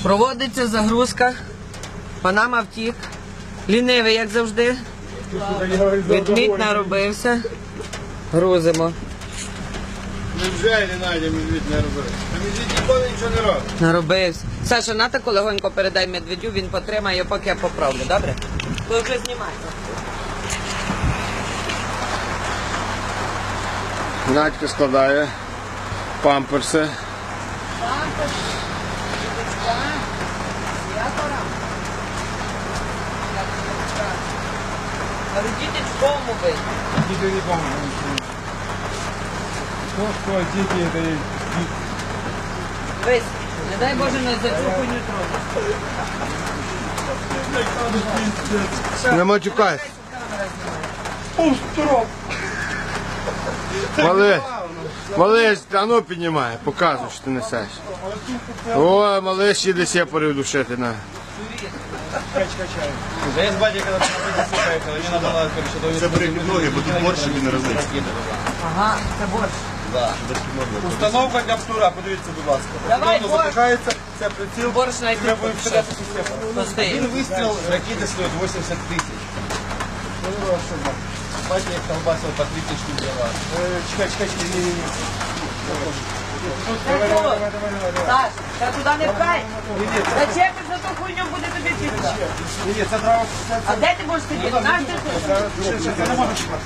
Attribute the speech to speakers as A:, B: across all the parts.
A: Проводиться загрузка. Панама втік. Лінивий, як завжди. Ведмідь наробився. Грузимо.
B: Невже не знайде медвідь не робив? А медвідь ніколи нічого не робить.
A: Наробився. Саша, на таку легонько передай медведю, він потримає, поки я поправлю, добре? Ви вже знімайте.
B: Надька складає памперси.
A: Але діточкому бить.
B: Діти не пам'ятають. Що, діти, це є діти.
A: Вись, не дай Боже, не зачухуй не
B: Не матюкайся.
A: трогай.
B: Малиш, а ну піднімай, показуй, що ти несеш. О, малиш їде сепарів душити, на.
C: Я с батей когда-то на позицию поехал, мне надо было, короче,
D: Це беріть ноги, бо тут борщ він розлиться.
A: Ага, це борщ.
C: Установка для птура, подивіться, будь ласка.
A: Давай,
C: Воно
A: борщ.
C: запихається, це приціл.
A: Борщ знайти.
C: Ми будемо стріляти з системи.
A: Постій.
C: Один вистріл ракети стоїть 80 тисяч. Батя їх колбасив по 3 тисячі взяла. Чекай, ні.
A: Саш, та туди не пхай. Зачепиш за ту хуйню, буде тобі пізно.
C: Ні, це треба...
A: А де ти будеш сидіти? Наш ти тут?
C: Це не можна чекати.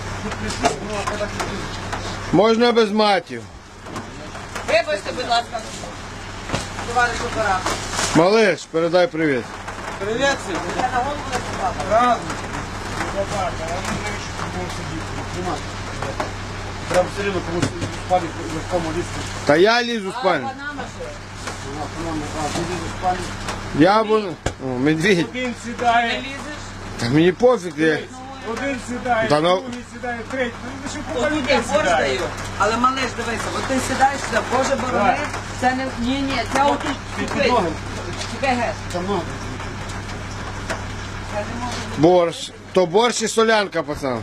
B: Можна без матів.
A: Вибачте, будь ласка, товариш оператор.
B: Малиш, передай привіт.
C: Привіт, Сергій.
A: Я на голову не попав.
C: Прям все рівно комусь спалить легкому лісу.
B: Та я лізу в спальню.
A: Панама що?
B: Я буду... О, медвідь.
C: Один
A: Не
C: сідає,
A: лізеш?
B: Та мені пофіг, я...
C: один сідає,
B: Та ну-
C: другий сідає, третій. Ну, що
A: Отут
C: людей
A: я борщ
C: сідає.
A: даю. Але малиш, дивися, от ти сідаєш сюди, Боже борони, це не... Ні, це отут тупий. Тупий геть.
C: Там много.
B: Борщ. То борщ і солянка, пацан.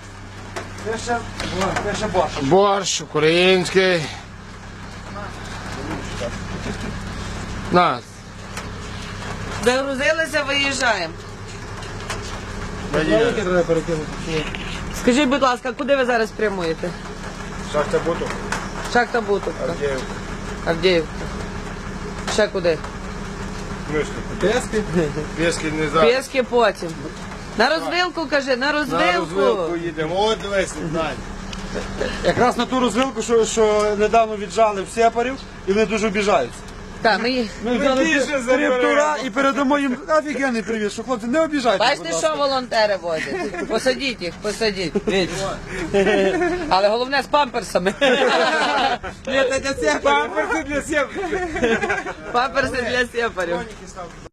C: Це ще борщ.
B: Борщ український. На.
A: Загрузилися, виїжджаємо.
C: Велике треба перекинути.
A: Скажіть, будь ласка, куди ви зараз прямуєте?
B: Шахта Буту.
A: Шахта Бутовка. Авдіївка. Ще куди?
C: Пески?
B: Пєски не зараз.
A: Пєски потім. На розвилку, кажи, на
B: На
A: розвилку.
B: розвилку їдемо. От дивись, Надь.
C: Якраз на ту розвилку, що недавно віджали в сепарів, і вони дуже обіжаються.
A: Так, ми...
C: Ми взяли птура і передамо їм офігенний привіт, що хлопці не обіжайтеся, будь
A: Бачите,
C: ласка.
A: що волонтери возять? Посадіть їх, посадіть. Але головне з памперсами.
C: Ні, це для сепарів. Памперси для сепарів.
A: Памперси для сепарів.